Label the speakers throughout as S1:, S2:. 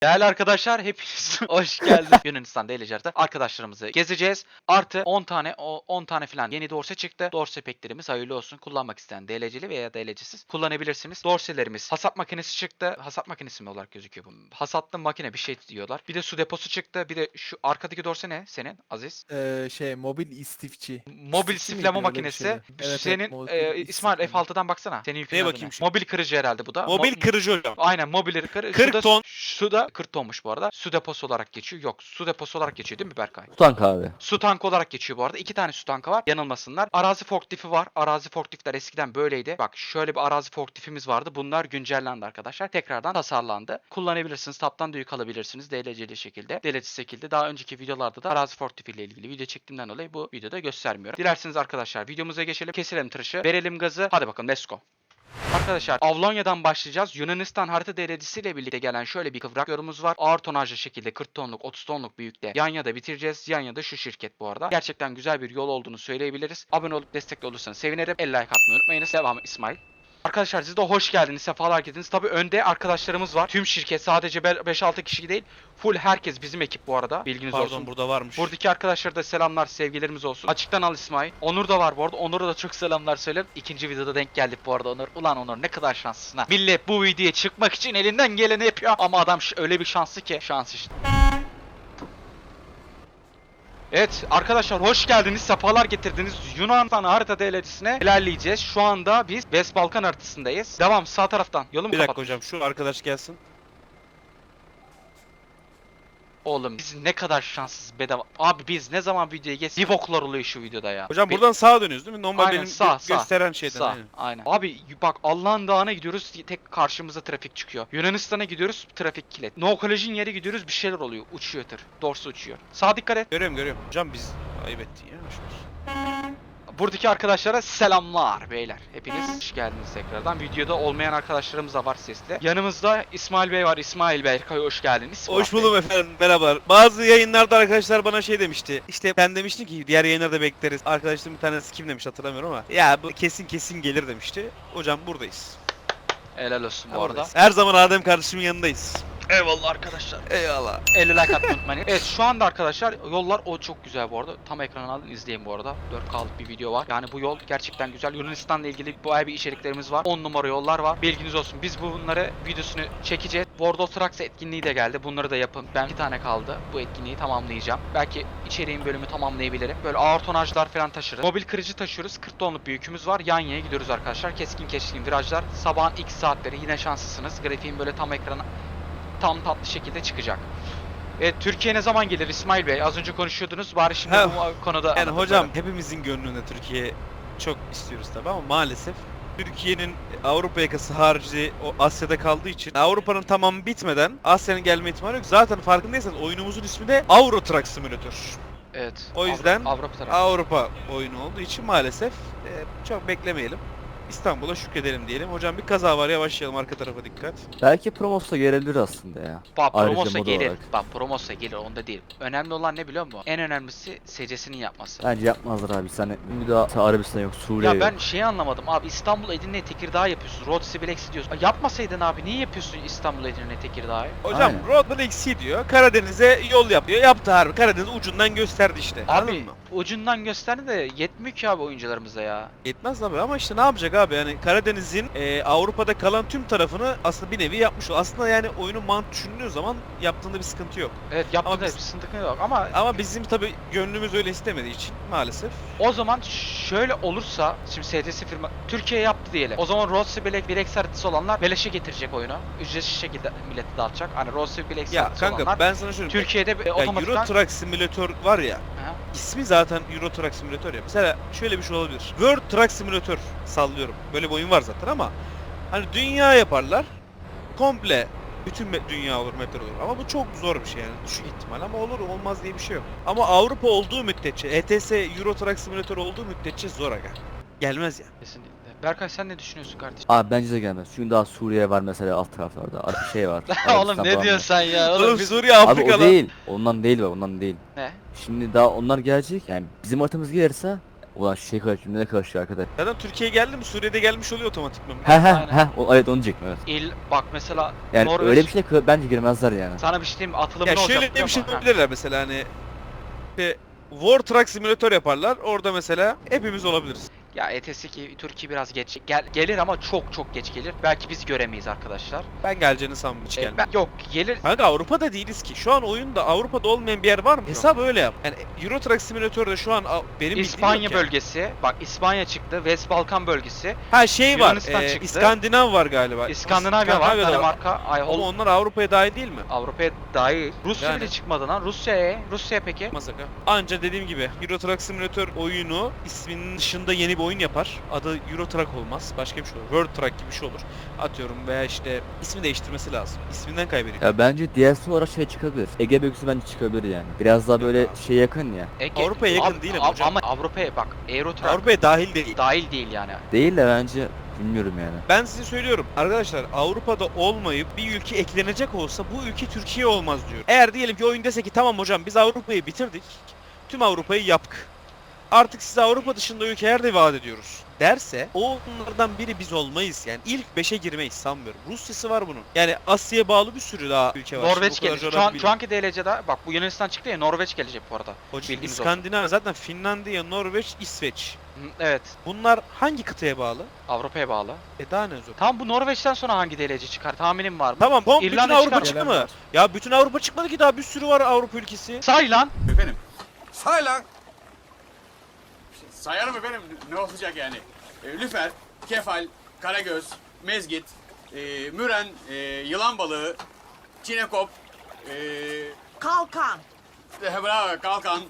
S1: Değerli arkadaşlar hepiniz hoş geldiniz. Yunanistan DLC'de arkadaşlarımızı gezeceğiz. Artı 10 tane falan yeni dorse çıktı. Dorse peklerimiz hayırlı olsun. Kullanmak isteyen DLC'li veya DLC'siz kullanabilirsiniz. Dorselerimiz hasat makinesi çıktı. Hasat makinesi mi olarak gözüküyor bu? Hasatlı makine bir şey diyorlar. Bir de su deposu çıktı. Bir de şu arkadaki dorse ne senin Aziz?
S2: Mobil istifçi.
S1: Mobil
S2: İstifçi
S1: siflama
S2: miydi? Öyle bir
S1: makinesi.
S2: şeydi. Evet,
S1: Senin
S2: mobil
S1: İsmail
S2: istiflama.
S1: F6'dan baksana. Senin yükün
S3: Neye
S1: adı
S3: bakayım
S1: ne?
S3: şu?
S1: Mobil kırıcı herhalde bu da.
S3: Mobil kırıcı hocam.
S1: Aynen mobil
S3: 40 ton.
S1: Su da 40 tonmuş bu arada. Su deposu olarak geçiyor. Yok, su deposu olarak geçiyor değil mi Berkay?
S4: Tank abi.
S1: Su tankı olarak geçiyor bu arada. 2 tane su tankı var. Yanılmasınlar. Arazi forklifti var. Arazi forklifler eskiden böyleydi. Bak şöyle bir arazi forklifimiz vardı. Bunlar güncellendi arkadaşlar. Tekrardan tasarlandı. Kullanabilirsiniz. Taptan da yük alabilirsiniz. DLC'li şekilde. DLC'li şekilde. Daha önceki videolarda da arazi forklifi ile ilgili video çektiğimden dolayı bu videoda göstermiyorum. Dilerseniz arkadaşlar videomuza geçelim. Keselim tıraşı. Verelim gazı. Hadi bakalım let's go. Arkadaşlar Avlonya'dan başlayacağız. Yunanistan harita derecesiyle birlikte gelen şöyle bir kıvrak yorumumuz var. Ağır tonajlı şekilde 40 tonluk 30 tonluk büyükte Yanya'da bitireceğiz. Yanya'da şu şirket bu arada. Gerçekten güzel bir yol olduğunu söyleyebiliriz. Abone olup destekli olursanız sevinirim. El like atmayı unutmayınız. Devam İsmail. Arkadaşlar siz de hoş geldiniz, sefalar getirdiniz. Tabii önde arkadaşlarımız var. Tüm şirket sadece 5-6 kişi değil. Full herkes bizim ekip bu arada. Bilginiz
S3: Pardon
S1: olsun.
S3: burada varmış.
S1: Buradaki arkadaşlara da selamlar, sevgilerimiz olsun. Açıktan al İsmail. Onur da var bu arada. Onur'a da çok selamlar söylerim. İkinci videoda denk geldik bu arada Onur. Ulan Onur ne kadar şanslısın ha. Millet bu videoya çıkmak için elinden geleni yapıyor. Ama adam öyle bir şanslı ki. Şans işte. Evet arkadaşlar hoş geldiniz, sefalar getirdiniz. Yunanistan harita devletisine ilerleyeceğiz. Şu anda biz West Balkan haritasındayız. Devam sağ taraftan. Yolumu
S3: Bir dakika
S1: kapat.
S3: hocam şu arkadaş gelsin.
S1: Oğlum biz ne kadar şanssız bedava. Abi biz ne zaman videoya geç. Bir boklar oluyor şu videoda ya.
S3: Hocam buradan sağa dönüyoruz değil mi? Normal
S1: Aynen,
S3: benim
S1: sağ.
S3: gösteren şeyden.
S1: Sağ,
S3: Aynen.
S1: aynen. Abi bak Allah'ın dağına gidiyoruz tek karşımıza trafik çıkıyor. Yunanistan'a gidiyoruz trafik kilit. No Collision yere gidiyoruz bir şeyler oluyor. Uçuyor tır. Dorsu uçuyor. Sağa dikkat et.
S3: Görüyorum. Hocam biz ayıp ettin ya.
S1: Buradaki arkadaşlara selamlar beyler. Hepiniz hoş geldiniz tekrardan. Videoda olmayan arkadaşlarımız da var sesli. Yanımızda İsmail Bey var. İsmail Bey hoş geldiniz.
S3: Hoş buldum efendim. Merhabalar. Bazı yayınlarda arkadaşlar bana şey demişti. İşte sen demiştin ki diğer yayınlarda bekleriz. Arkadaşlarım bir tanesi kim demiş hatırlamıyorum ama. Ya bu kesin gelir demişti. Hocam buradayız.
S1: Helal olsun bu arada.
S3: Buradayız. Her zaman Adem kardeşimin yanındayız.
S1: Eyvallah arkadaşlar.
S3: Eyvallah.
S1: 50 like atmayı unutmayın. Evet şu anda arkadaşlar yollar o çok güzel bu arada. Tam ekranı alın izleyin bu arada. 4K'lık bir video var. Yani bu yol gerçekten güzel. Yunanistan'la ilgili bayağı bir içeriklerimiz var. 10 numara yollar var. Bilginiz olsun. Biz bunları videosunu çekeceğiz. World of Trucks etkinliği de geldi. Bunları da yapın. Ben 2 tane kaldı. Bu etkinliği tamamlayacağım. Belki içeriğin bölümü tamamlayabilirim. Böyle ağır tonajlar falan taşırız. Mobil kırıcı taşıyoruz. 40 tonluk bir yükümüz var. Yanya'ya gidiyoruz arkadaşlar. Keskin virajlar. Sabahın ilk saatleri yine şanslısınız. Grafiğin böyle tam ekrana tam tatlı şekilde çıkacak. Evet Türkiye ne zaman gelir İsmail Bey? Az önce konuşuyordunuz. Bari şimdi bu konuda
S3: Yani
S1: anlatın
S3: hocam
S1: bana.
S3: hepimizin gönlünde Türkiye çok istiyoruz tabii ama maalesef Türkiye'nin Avrupa yakası harici o Asya'da kaldığı için Avrupa'nın tamamı bitmeden Asya'nın gelme ihtimali yok. Zaten farkındaysanız oyunumuzun ismi de Euro Truck Simulator.
S1: Evet.
S3: O yüzden
S1: Avrupa tarafı.
S3: Avrupa oyunu olduğu için maalesef çok beklemeyelim. İstanbul'a şükredelim diyelim. Hocam bir kaza var yavaşlayalım arka tarafa dikkat.
S4: Belki Promos'ta gelebilir aslında ya.
S1: Bak
S4: Ayrıca
S1: Promos'a
S4: mod
S1: gelir.
S4: olarak.
S1: Bak Promos'a gelir onda değil. Önemli olan ne biliyor musun? En önemlisi secesinin yapması.
S4: Bence yapmazlar abi. Sen bir daha Arabistan yok, Suriye
S1: Ya
S4: yok.
S1: ben şeyi anlamadım abi İstanbul Edirne Tekirdağ yapıyorsun. Road Sibilex diyorsun. Yapmasaydın abi niye yapıyorsun İstanbul Edirne Tekirdağ'ı?
S3: Hocam
S4: Aynen.
S3: Roadman eksi diyor. Karadeniz'e yol yap diyor. Yaptı harbi. Karadeniz ucundan gösterdi işte. Anladın
S1: Abi
S3: mı?
S1: ucundan gösterdi de yetmiyor ki abi oyuncularımıza ya.
S3: Yetmez abi ama işte ne yapacak abi yani Karadeniz'in Avrupa'da kalan tüm tarafını aslında bir nevi yapmış o. Aslında yani oyunun mantığı düşündüğü zaman yaptığında bir sıkıntı yok.
S1: Evet yaptı
S3: Ama
S1: da
S3: biz-
S1: bir sıkıntı yok ama
S3: Ama bizim tabi gönlümüz öyle istemediği için maalesef.
S1: o zaman şöyle olursa şimdi STS firma Türkiye yaptı diyelim. O zaman Road Bilex haritası olanlar beleşe getirecek oyunu. Ücretsiz şekilde millete dağıtacak. Hani Road Bilex
S3: Ya
S1: haritası
S3: kanka
S1: olanlar
S3: ben sana şöyle
S1: Türkiye'de
S3: ya
S1: otomatikman
S3: Euro Truck Simulator var ya.
S1: Aha.
S3: İsmi zaten Euro Truck Simulator ya. Mesela şöyle bir şey olabilir. World Truck Simulator sallıyorum. Böyle bir oyun var zaten ama hani dünya yaparlar. Komple bütün dünya olur, metal olur. Ama bu çok zor bir şey yani. Düşük ihtimal ama olur olmaz diye bir şey yok. Ama Avrupa olduğu müddetçe, ETS Euro Truck Simulator olduğu müddetçe zor aga. Gelmez ya.
S1: Kesinlikle. Berkay sen ne düşünüyorsun kardeşim?
S4: Abi bence de gelmez. Çünkü daha Suriye var mesela alt taraflarda. Şey var.
S1: Oğlum
S4: Arabistan
S1: ne
S4: falan
S1: diyorsun
S4: var.
S1: sen ya?
S3: Oğlum
S1: biz...
S3: Suriye
S4: Abi
S3: Afrika'da.
S4: o değil. Ondan değil bak ondan değil.
S1: Ne?
S4: Şimdi daha onlar gelecek. Yani bizim haritamız gelirse Ulan şu şey karışıyor, ne karışıyor arkadaş?
S3: Zaten Türkiye'ye geldi mi Suriye'de gelmiş oluyor otomatikman.
S1: Aynen.
S4: Evet onu diyecektim evet.
S1: Bak mesela
S4: Yani
S1: Norveç,
S4: öyle bir şey bence girmezler yani.
S1: sana bir şey diyeyim mi? Atılımı
S3: Ya
S1: ne olacak
S3: şöyle
S1: biliyor
S3: bir şey
S1: musun? Ha.
S3: yapabilirler mesela hani işte War Truck Simulator yaparlar. Orada mesela hepimiz olabiliriz.
S1: Ya ETS ki Türkiye biraz geç gelir ama çok geç gelir. Belki biz göremeyiz arkadaşlar.
S3: Ben geleceğini sanmıyorum hiç gelmem.
S1: Yok gelir.
S3: Kanka Avrupa'da değiliz ki. Şu an oyunda Avrupa'da olmayan bir yer var mı? Hesap öyle yap. Yani Euro Truck Simulator'da şu an benim bildiğim
S1: İspanya
S3: yok yani.
S1: bölgesi. Bak İspanya çıktı. West Balkan bölgesi.
S3: Ha şey var.
S1: Yunanistan çıktı.
S3: İskandinav var galiba.
S1: İskandinavya var.
S3: İskandinavya'da
S1: Danimarka. Ay,
S3: Ama onlar Avrupa'ya dahil değil mi?
S1: Avrupa'ya dahil. Rusya
S3: Yani.
S1: bile çıkmadı lan. Rusya peki?
S3: Masaka. Anca dediğim gibi Euro Truck Simulator oyunu isminin dışında yeni bir oyun yapar. Adı Euro Truck olmaz. Başka bir şey olur. World Truck gibi bir şey olur. Atıyorum veya işte ismi değiştirmesi lazım. İsminden kaybediyor.
S4: Ya bence DLC olarak şey çıkabilir. Ege bölgesi bence çıkabilir yani. Biraz daha böyle şey yakın ya.
S3: Avrupa'ya yakın değil ama hocam.
S1: Ama Avrupa'ya bak. Eurotrack
S3: Avrupa'ya dahil değil.
S1: dahil değil yani.
S4: Değil de bence bilmiyorum yani.
S3: Ben size söylüyorum arkadaşlar Avrupa'da olmayıp bir ülke eklenecek olsa bu ülke Türkiye olmaz diyor. Eğer diyelim ki oyun dese ki tamam hocam biz Avrupa'yı bitirdik. Tüm Avrupa'yı yaptık. Artık size Avrupa dışında ülkeler de vaat ediyoruz derse o onlardan biri biz olmayız. Yani ilk 5'e girmeyiz sanmıyorum. Rusya'sı var bunun. Yani Asya'ya bağlı bir sürü daha ülke var.
S1: Norveç
S3: Şimdi o kadar
S1: gelecek.
S3: coğrafi
S1: Şu anki DLC'de bak bu Yunanistan çıktı ya, Norveç gelecek bu arada.
S3: Hocam,
S1: bilginiz olsun.
S3: İskandinav zaten Finlandiya, Norveç, İsveç.
S1: Hı, evet.
S3: Bunlar hangi kıtaya bağlı?
S1: Avrupa'ya bağlı.
S3: Daha ne zor.
S1: Tam bu Norveç'ten sonra hangi DLC çıkar? Tahminim var mı?
S3: Tamam bütün
S1: İrlanda
S3: Avrupa
S1: çıkar.
S3: çıktı
S2: Gelen
S3: mı?
S2: var.
S3: Ya bütün Avrupa çıkmadı ki daha bir sürü var Avrupa ülkesi.
S1: Say lan.
S5: Efendim? Say lan! Sayarım efendim, ne olacak yani? Lüfer, kefal, karagöz, mezgit, müren, yılan balığı, çinekop,
S6: Kalkan.
S5: bravo, kalkan.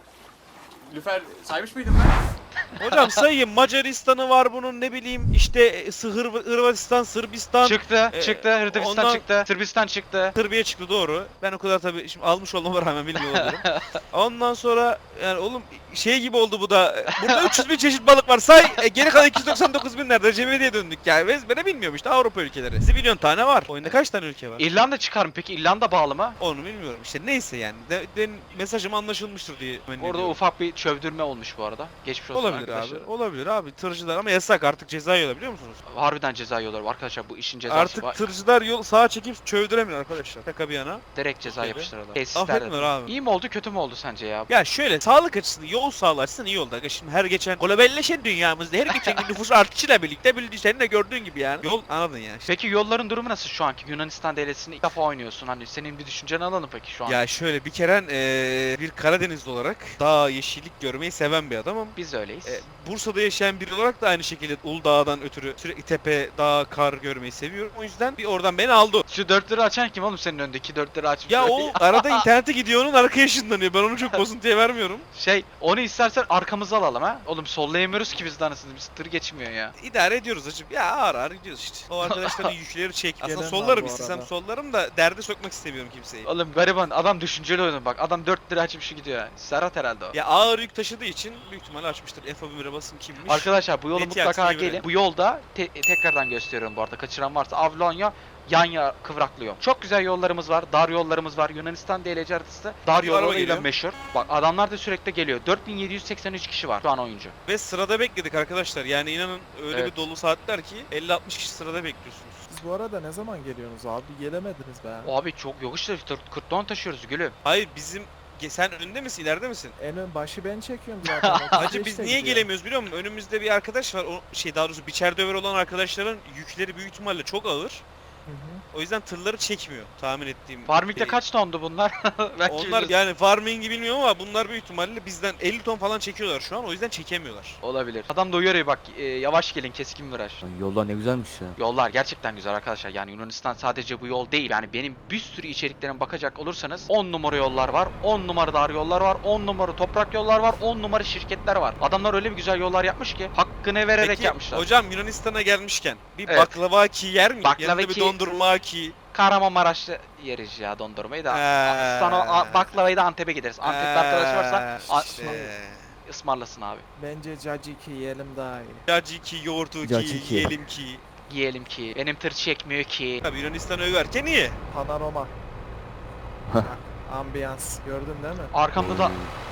S5: Lüfer saymış mıydım ben?
S3: Hocam sayayım Macaristan'ı var bunun ne bileyim işte Hırvatistan, Sırbistan.
S1: Çıktı.
S3: e,
S1: Çıktı. Hırvatistan
S3: ondan-
S1: çıktı. Sırbistan çıktı.
S3: Sırbiye çıktı doğru. Ben o kadar tabii şimdi almış olmama rağmen bilmiyor olabilirim. Ondan sonra yani oğlum şey gibi oldu bu da. Burada 300 bin çeşit balık var say. Geri kalan 299 bin nerede? Cebediye döndük yani. Ben bilmiyorum işte Avrupa ülkeleri. Zibilyon tane var. Oyunda kaç tane ülke var?
S1: İrlanda çıkar mı peki? İrlanda bağlı mı?
S3: Onu bilmiyorum işte neyse yani. Mesajım anlaşılmıştır diye.
S1: Orada ufak bir çövdürme olmuş bu arada. Geçmiş olsun
S3: olabilir
S1: arkadaşlar.
S3: abi. Olabilir abi. Tırcılar ama yasak artık ceza yiyorlar biliyor musunuz?
S1: Harbiden ceza yiyorlar arkadaşlar, bu işin cezası
S3: Artık
S1: var.
S3: tırcılar yol sağa çekip çövdüremiyor arkadaşlar. Şaka bir yana.
S1: Direkt ceza
S3: Türkiye'de.
S1: yapıştırıyorlar.
S3: Affetmiyor
S1: Tesislerde.
S3: abi.
S1: İyi mi oldu kötü mü oldu sence ya?
S3: Ya şöyle sağlık açısından yol sağlığı açısından iyi oldu. Şimdi her geçen globalleşen dünyamızda her geçen gün nüfus artışıyla birlikte senin de gördüğün gibi yani. Yol anladın yani.
S1: Peki yolların durumu nasıl şu anki? Yunanistan DLC'sini ilk defa oynuyorsun. Hani senin bir düşünceni alalım peki şu an.
S3: Ya şöyle bir kere bir Karadenizli olarak dağ, yeşillik görmeyi seven bir adamım.
S1: Biz de öyleyiz.
S3: Bursa'da yaşayan biri olarak da aynı şekilde Uludağ'dan ötürü sürekli tepe, dağ, kar görmeyi seviyorum. O yüzden bir oradan beni aldı. o.
S1: Şu 4 lira açan kim oğlum senin önündeki 4 lira açmış?
S3: Ya
S1: böyle?
S3: o arada internete gidiyor onun arka yaşındanıyor. Ben onu çok bozuntuya vermiyorum.
S1: Onu istersen arkamıza alalım ha. Oğlum sollayamıyoruz ki biz de anasını. Biz tır geçmiyor ya.
S3: İdare ediyoruz hacım. Ya ağır ağır gidiyoruz işte. O arkadaşların yükleri çek. Aslında
S2: Gelen var
S3: sollarım
S2: bu
S3: istesem
S2: arada.
S3: sollarım da derde sokmak istemiyorum kimseyi.
S1: Oğlum gariban adam düşünceli oynuyor bak. Adam 4 lira açıp şu gidiyor ya. Serhat herhalde o.
S3: Ya ağır yük taşıdığı için büyük ihtimalle açmıştır. F11'e basın kimmiş?
S1: Arkadaşlar bu yolu
S3: Neti
S1: mutlaka
S3: aksine
S1: gelin.
S3: göre.
S1: Bu yolda tekrardan gösteriyorum bu arada. Kaçıran varsa Avlonya Yanya kıvraklı yol. Çok güzel yollarımız var. Dar yollarımız var. Yunanistan DLC haritası dar
S3: Bir araba
S1: yollarıyla
S3: geliyor.
S1: meşhur. Bak adamlar da sürekli geliyor. 4783 kişi var şu an oyuncu.
S3: Ve sırada bekledik arkadaşlar. Yani inanın öyle
S1: Evet.
S3: bir dolu saatler ki 50-60 kişi sırada bekliyorsunuz.
S2: Siz bu arada ne zaman geliyorsunuz abi? Gelemediniz be.
S1: Abi çok yok işte 40 ton taşıyoruz gülüm.
S3: Hayır bizim sen önünde misin, ileride misin?
S2: En ön başı ben çekiyorum zaten.
S3: Hacı
S2: 35
S3: biz
S2: de
S3: niye
S2: gidiyor.
S3: gelemiyoruz biliyor musun? Önümüzde bir arkadaş var. O daha doğrusu biçer döver olan arkadaşların yükleri büyük ihtimalle çok ağır.
S2: Hı hı.
S3: O yüzden tırları çekmiyor tahmin ettiğim.
S1: Farming'de
S3: şey.
S1: kaç tondu bunlar? Belki
S3: Onlar
S1: bilmiyoruz.
S3: yani farming'i bilmiyorum ama bunlar büyük ihtimalle bizden 50 ton falan çekiyorlar şu an. O yüzden çekemiyorlar.
S1: Olabilir. Adam da uyarıyor bak yavaş gelin keskin viraj.
S4: Lan yollar ne güzelmiş ya.
S1: Yollar gerçekten güzel arkadaşlar. Yani Yunanistan sadece bu yol değil. Yani benim bir sürü içeriklerime bakacak olursanız 10 numara yollar var. 10 numara dar yollar var. 10 numara toprak yollar var. 10 numara şirketler var. Adamlar öyle bir güzel yollar yapmış ki hakkını vererek
S3: Peki
S1: yapmışlar.
S3: hocam Yunanistan'a gelmişken bir
S1: Evet.
S3: baklava ki yer mi?
S1: Baklava
S3: Yanında bir
S1: ki-
S3: dondurma ki.
S1: Kahramanmaraş'ta yeriz ya dondurmayı da.
S3: Ee.
S1: Sana baklavayı da Antep'e gideriz. Antep'te arkadaş varsa
S3: işte.
S1: ısmarlasın abi.
S2: Bence Caciki yiyelim daha iyi.
S3: Caciki, yoğurtu ki,
S4: Caciki.
S3: yiyelim ki.
S1: Yiyelim ki. Benim tır çekmiyor ki.
S3: Tabii Yunanistan'ı överken iyi.
S2: Panorama. Ambiyans gördün değil mi?
S1: Arkamda da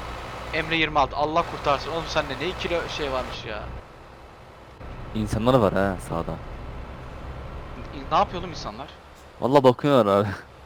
S1: Emre 26 Allah kurtarsın. Oğlum sende ne kilo şey varmış ya.
S4: İnsanlar var ha sağda.
S1: Ne yapıyor oğlum insanlar?
S4: Valla bakıyorlar abi.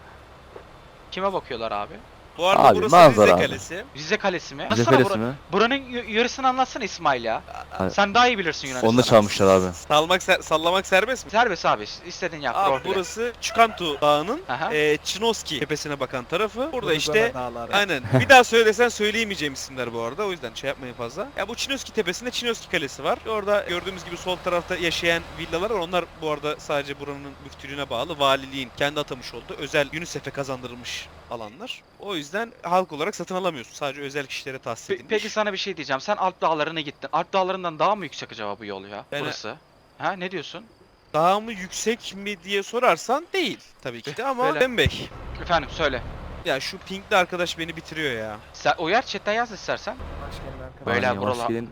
S1: Kime bakıyorlar abi?
S3: Bu arada
S4: Abi,
S3: burası
S4: manzara
S3: Rize
S4: abi.
S3: Kalesi.
S1: Rize Kalesi mi?
S4: Bize
S1: Anlatsana
S4: kalesi mi?
S1: buranın yarısını anlatsana İsmail ya.
S4: Abi,
S1: Sen daha iyi bilirsin Yunanistan'ı.
S4: onu da çalmışlar abi.
S3: Sallamak serbest mi?
S1: Serbest abi. İstediğin yap.
S3: Abi
S1: rol play.
S3: burası Çukantu Dağı'nın
S1: Aha.
S3: Çinoski tepesine bakan tarafı. Burada
S2: Gurgana
S3: işte
S2: Dağları.
S3: aynen. Bir daha söylesen söyleyemeyeceğim isimler bu arada. O yüzden şey yapmayın fazla. Ya bu Çinoski tepesinde Çinoski Kalesi var. Orada gördüğümüz gibi sol tarafta yaşayan villalar var. Onlar bu arada sadece buranın müftülüğüne bağlı. Valiliğin kendi atamış olduğu özel UNICEF'e kazandırılmış alanlar. O yüzden halk olarak satın alamıyorsun. Sadece özel kişilere tahsis edilmiş.
S1: Peki sana bir şey diyeceğim. Sen Alp Dağları'na gittin. Alp Dağları'ndan daha mı yüksek acaba bu yol ya?
S3: Ben-
S1: Burası. Ha ne diyorsun?
S3: Daha mı yüksek mi diye sorarsan değil tabii ki de ama
S1: Böyle.
S3: Bembey.
S1: Efendim söyle.
S3: Ya şu pinkli arkadaş beni bitiriyor ya.
S1: Sen uyar chatten yaz istersen.
S2: Başkanın arkadaşı.
S1: Böyle
S4: Aynen,
S1: buralar-
S4: hoş geldin.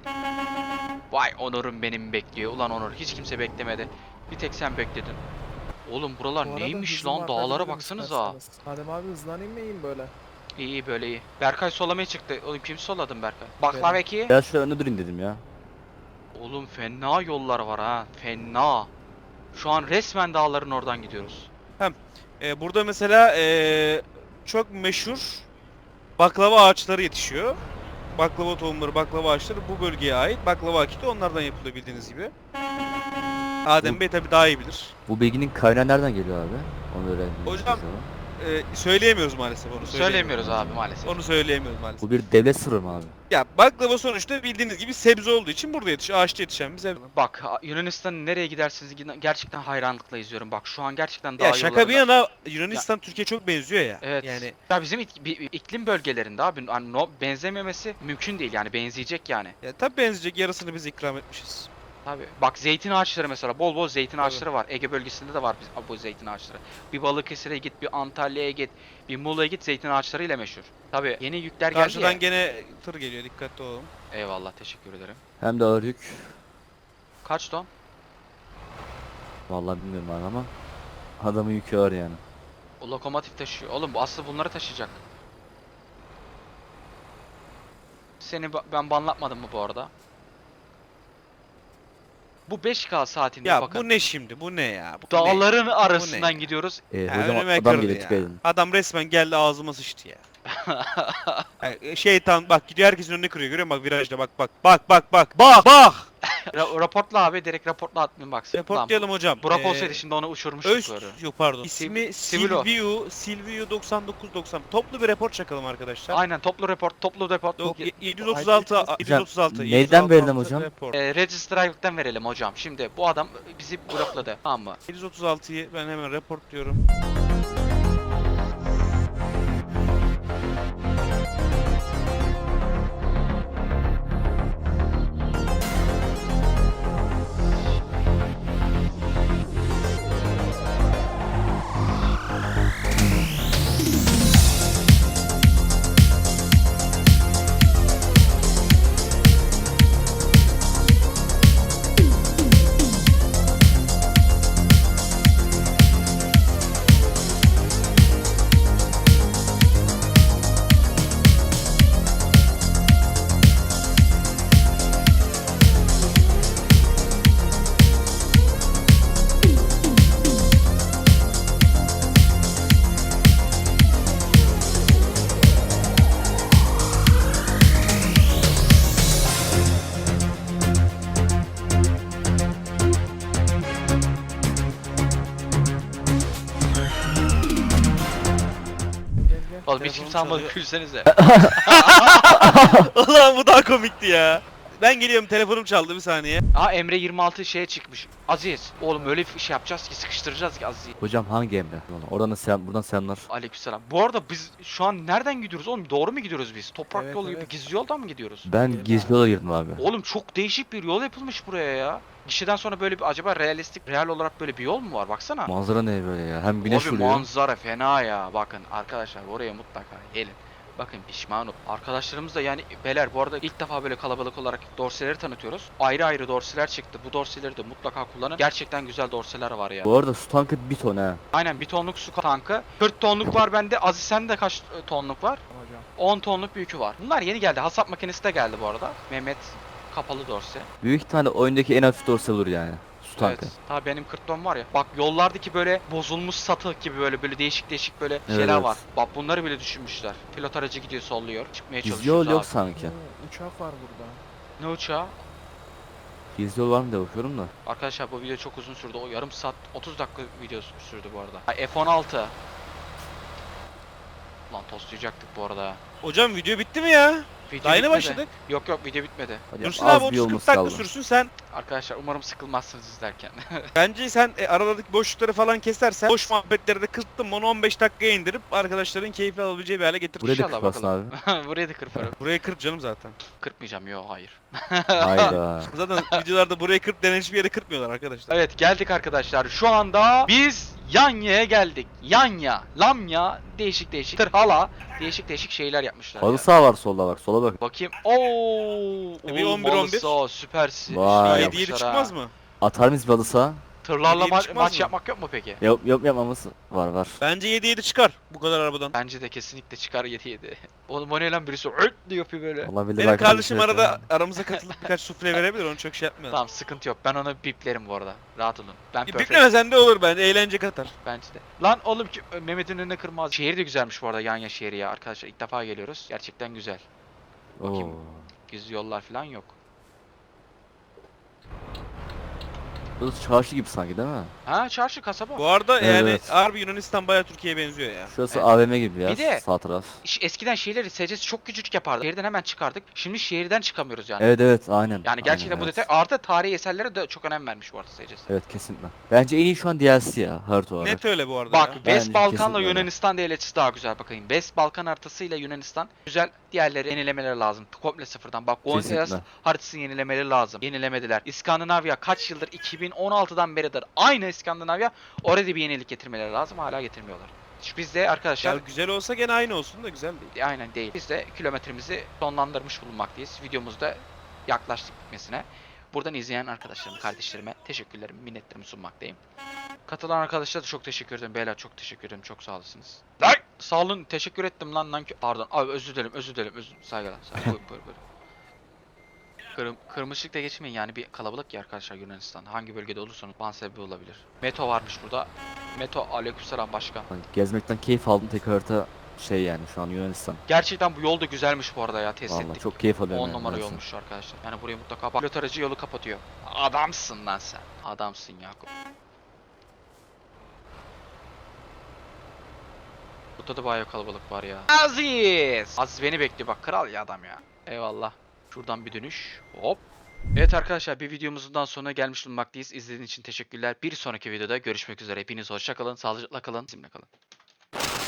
S1: Vay Onur'um benim bekliyor. Ulan Onur hiç kimse beklemedi. Bir tek sen bekledin. Oğlum
S2: Bu
S1: buralar
S2: arada
S1: neymiş
S2: hızımı
S1: lan dağlara
S2: arttırabilirim
S1: baksanıza.
S2: isterseniz. Adem abi hızlanayım mı iyiyim böyle?
S1: İyi iyi böyle iyi. Berkay solamaya çıktı. Oğlum kim soladın Berkay? Baklava eki.
S4: Biraz şöyle önde durayım dedim ya.
S1: Oğlum fena yollar var ha. Fena. Şu an resmen dağların oradan gidiyoruz.
S3: Burada mesela çok meşhur baklava ağaçları yetişiyor. Baklava tohumları, baklava ağaçları bu bölgeye ait. Baklava akiti onlardan yapılıyor bildiğiniz gibi. Adem Bey tabi daha iyi bilir.
S4: Bu bilginin kaynağı nereden geliyor abi? Onu öğrendim.
S3: Hocam, Söyleyemiyoruz maalesef onu.
S1: Söyleyemiyoruz abi maalesef.
S3: Onu söyleyemiyoruz maalesef.
S4: Bu bir devlet sırrı mı abi?
S3: Ya baklava sonuçta bildiğiniz gibi sebze olduğu için burada yetişiyor. Ağaçta yetişen bir sebze.
S1: Bak Yunanistan'ın nereye gidersiniz gidin gerçekten hayranlıkla izliyorum. Bak şu an gerçekten dağ
S3: Ya şaka bir
S1: yollarında-
S3: yana Yunanistan Türkiye çok benziyor ya.
S1: Evet.
S3: Yani
S1: Ya bizim iklim bölgelerinde abi hani benzememesi mümkün değil yani benzeyecek yani.
S3: ya tabi benzeyecek yarısını biz ikram etmişiz.
S1: Tabii. Bak zeytin ağaçları mesela bol bol zeytin
S3: Tabii.
S1: ağaçları var. Ege bölgesinde de var bu zeytin ağaçları. Bir Balıkesir'e git, bir Antalya'ya git, bir Muğla'ya git zeytin ağaçlarıyla meşhur. Tabii yeni yükler geldi
S3: Karşıdan
S1: ya.
S3: gene tır geliyor dikkatli olun.
S1: Eyvallah teşekkür ederim.
S4: Hem de ağır yük.
S1: Kaç ton?
S4: Vallahi bilmiyorum abi ama adamın yükü ağır yani.
S1: O lokomotif taşıyor. Oğlum bu aslı bunları taşıyacak. Seni ben banlatmadım mı bu arada? Bu 5K saatinde
S3: Ya
S1: bakın.
S3: bu ne şimdi? Bu ne ya? Bu ne?
S1: Dağların
S3: Bu
S1: arasından
S3: ne?
S1: gidiyoruz.
S3: Ya
S4: Hocam
S3: önüme
S4: adam
S3: kırdı
S4: geliyor
S3: ya.
S4: dikkat edin.
S3: Adam resmen geldi ağzıma sıçtı ya. Şeytan bak gidiyor herkesin önüne kırıyor görüyor musun bak virajda bak bak bak bak bak bak bak.
S1: Raportla abi direkt raportla atmayın bak.
S3: Reportlayalım hocam.
S1: Burak olsaydı şimdi onu uçurmuştuk
S3: Öz
S1: böyle.
S3: yok pardon. İsmi
S1: Sivilo.
S3: Silvio 9990. Toplu bir report çakalım arkadaşlar.
S1: Aynen toplu report.
S3: Yok,
S1: Ye-
S3: 736 736.
S4: neyden
S3: 736
S4: verelim hocam?
S3: report.
S1: Register Aylık'tan verelim hocam. Şimdi bu adam bizi blokladı. Tamam mı?
S3: 736'yı ben hemen report diyorum.
S2: Gel gel.
S1: Oğlum hiç
S3: Telefon
S1: kimse almadı
S3: çalıyor.
S1: gülsenize.
S3: Ulan bu daha komikti ya. Ben geliyorum telefonum çaldı bir saniye.
S1: Aa Emre 26 şeye çıkmış. Aziz. Oğlum öyle bir şey yapacağız ki sıkıştıracağız ki Aziz'i.
S4: Hocam hangi emre? Oradan da selam, buradan selamlar.
S1: Aleykümselam. Bu arada biz şu an nereden gidiyoruz oğlum? Doğru mu gidiyoruz biz? Toprak
S2: Evet,
S1: yolu gibi
S2: evet.
S1: gizli yoldan mı gidiyoruz?
S4: Ben gizli yola girdim abi.
S1: Oğlum çok değişik bir yol yapılmış buraya ya. Gişeden sonra böyle bir acaba real olarak böyle bir yol mu var? Baksana.
S4: Manzara ne böyle ya? Hem güneş
S1: Abi
S4: vuruyor.
S1: manzara fena ya. Bakın arkadaşlar oraya mutlaka gelin. Bakın pişman ol. Arkadaşlarımız da yani beyler bu arada ilk defa böyle kalabalık olarak dorseleri tanıtıyoruz. Ayrı ayrı dorseler çıktı. Bu dorseleri de mutlaka kullanın. Gerçekten güzel dorseler var ya.
S4: Bu arada su tankı 1 ton ha.
S1: Aynen 1 tonluk su tankı. 40 tonluk var bende. Aziz sende kaç tonluk var?
S2: Hocam.
S1: 10 tonluk bir yükü var. Bunlar yeni geldi. Hasap makinesi de geldi bu arada. Mehmet kapalı dorse.
S4: Büyük ihtimalle oyundaki en hafif dorse olur yani. Su tankı.
S1: Evet. Ta benim 40 ton var ya. Bak yollardaki böyle bozulmuş satı gibi böyle değişik değişik böyle şeyler
S4: Evet.
S1: var. Bak bunları bile düşünmüşler. Pilot aracı gidiyor solluyor. Çıkmaya
S4: Gizli
S1: çalışıyoruz
S4: yol yok
S1: abi.
S4: sanki.
S2: Uçak var burada.
S1: Ne uçağı?
S4: Gizli yol var mı diye bakıyorum da.
S1: Arkadaşlar bu video çok uzun sürdü. O yarım saat 30 dakika video sürdü bu arada. Ay, F-16. Lan tostlayacaktık bu arada.
S3: Hocam video bitti mi ya?
S1: Video
S3: Daha yeni
S1: bitmedi.
S3: başladık.
S1: Yok yok video bitmedi.
S4: Hadi
S3: Dursun
S4: az
S3: abi
S4: bir
S3: 30-40
S4: yolumuz
S3: dakika
S4: kaldı.
S3: sürsün sen.
S1: Arkadaşlar umarım sıkılmazsınız izlerken.
S3: Bence sen aralardaki boşlukları falan kesersen boş muhabbetleri de kısıttın onu 15 dakikaya indirip arkadaşların keyifli alabileceği bir hale getir.
S4: Buraya da
S1: İnşallah
S4: kırparsın abi.
S1: Buraya da kırparım.
S3: Buraya kırp canım zaten.
S1: Kırpmayacağım yok hayır.
S4: Hayda.
S3: Zaten videolarda buraya kırp denen hiçbir yere kırpmıyorlar arkadaşlar.
S1: Evet geldik arkadaşlar. Şu anda biz Yanya'ya geldik. Yanya, Lamya, değişik değişik. Tırhala, değişik değişik şeyler yapmışlar
S4: Halı
S1: ya.
S4: saha var solda bak. Sola bak.
S1: Bakayım. Oo,
S3: Bir
S1: oğlum
S3: 11-11.
S1: halı saha, süpersin.
S4: Vay.
S1: Süper
S3: 7-7
S1: yapmışlar
S3: çıkmaz
S1: ha.
S3: mı?
S4: Atar mıyız bir halı saha?
S1: Tırlarla
S3: 7-7
S1: maç
S3: çıkmaz mı?
S1: yapmak yok mu peki?
S4: Yok yapmamız var.
S3: Bence 7-7 çıkar bu kadar arabadan.
S1: Bence de kesinlikle çıkar 7-7. Oğlum o ne lan birisi öt diye yapıyor böyle.
S4: Olabilir.
S3: Benim
S4: belki
S3: kardeşim
S4: arkadaşlar.
S3: arada aramıza katılıp birkaç sufle verebilir onu çok şey yapmayalım.
S1: Tamam sıkıntı yok. Ben onu biplerim bu arada. Rahat olun. Ben perfect.
S3: Biplemesen de olur bence eğlence katar.
S1: Bence de. Lan oğlum ki Mehmet'in önüne kırmaz. Şehir de güzelmiş bu arada Yanya şehri ya arkadaşlar. İlk defa geliyoruz. Gerçekten güzel. Bakayım.
S4: Oo.
S1: Gizli yollar falan yok.
S4: Burası çarşı gibi sanki değil mi?
S1: Ha çarşı kasaba.
S3: Bu arada yani
S4: Evet.
S3: harbi Yunanistan bayağı Türkiye'ye benziyor ya.
S4: Şurası
S1: Evet.
S4: AVM gibi ya.
S1: Bir de-
S4: Sağ taraf.
S1: Eskiden şehirleri SC'si çok küçücük yapardı. Şehirden hemen çıkardık. Şimdi şehirden çıkamıyoruz yani.
S4: Evet aynen.
S1: Yani gerçekten
S4: Aynen,
S1: bu
S4: evet.
S1: detay artı tarihi eserlere de çok önem vermiş bu arada SC'si.
S4: Evet kesinlikle. Bence en iyi şu an DLC ya. Harita olarak.
S3: Net öyle bu arada
S1: Bak
S3: ya.
S1: West
S4: Bence
S1: Balkan'la
S4: kesinlikle öyle.
S1: Yunanistan devletçisi daha güzel bakayım. West Balkan haritasıyla Yunanistan güzel. Diğerleri yenilemeleri lazım. Komple sıfırdan. Bak Buenos Aires
S4: Kesinlikle.
S1: haritasını yenilemeleri lazım. Yenilemediler. İskandinavya kaç yıldır 2016'dan beridir aynı İskandinavya. Orada bir yenilik getirmeleri lazım. Hala getirmiyorlar. Biz de arkadaşlar
S3: Ya güzel olsa gene aynı olsun da güzel değil.
S1: aynen değil. Biz de kilometremizi sonlandırmış bulunmaktayız. Videomuzda yaklaştık bitmesine. Buradan izleyen arkadaşlarım, kardeşlerime teşekkürlerimi, minnetlerimi sunmaktayım. Katılan arkadaşlara da çok teşekkür ederim. Beyler çok teşekkür ederim. Çok sağ olasınız. Lan! Sağ olun. Teşekkür ettim lan. Pardon. Abi özür dilerim. Saygılar. Buyur. Kırmışlıkla geçmeyin yani bir kalabalık ya arkadaşlar Yunanistan. Hangi bölgede olursanız ban sebebi olabilir. Meto varmış burada. Meto aleykümselam başkan.
S4: Hani gezmekten keyif aldım tek harita şey yani şu an Yunanistan.
S1: Gerçekten bu yol da güzelmiş bu arada ya test
S4: Vallahi
S1: ettik.
S4: çok keyif alıyorum
S1: 10
S4: yani
S1: numara
S4: Yunanistan.
S1: yolmuş arkadaşlar. Yani buraya mutlaka bak. Pilot aracı yolu kapatıyor. Adamsın lan sen. Adamsın Yakup. Burada da bayağı kalabalık var ya. Aziz beni bekliyor bak kral ya adam ya. Eyvallah. Şuradan bir dönüş. Hop. Evet arkadaşlar bir videomuzun daha sonuna gelmiş bulunmaktayız. İzlediğiniz için teşekkürler. Bir sonraki videoda görüşmek üzere. Hepiniz hoşça kalın, sağlıcakla kalın, bizimle kalın.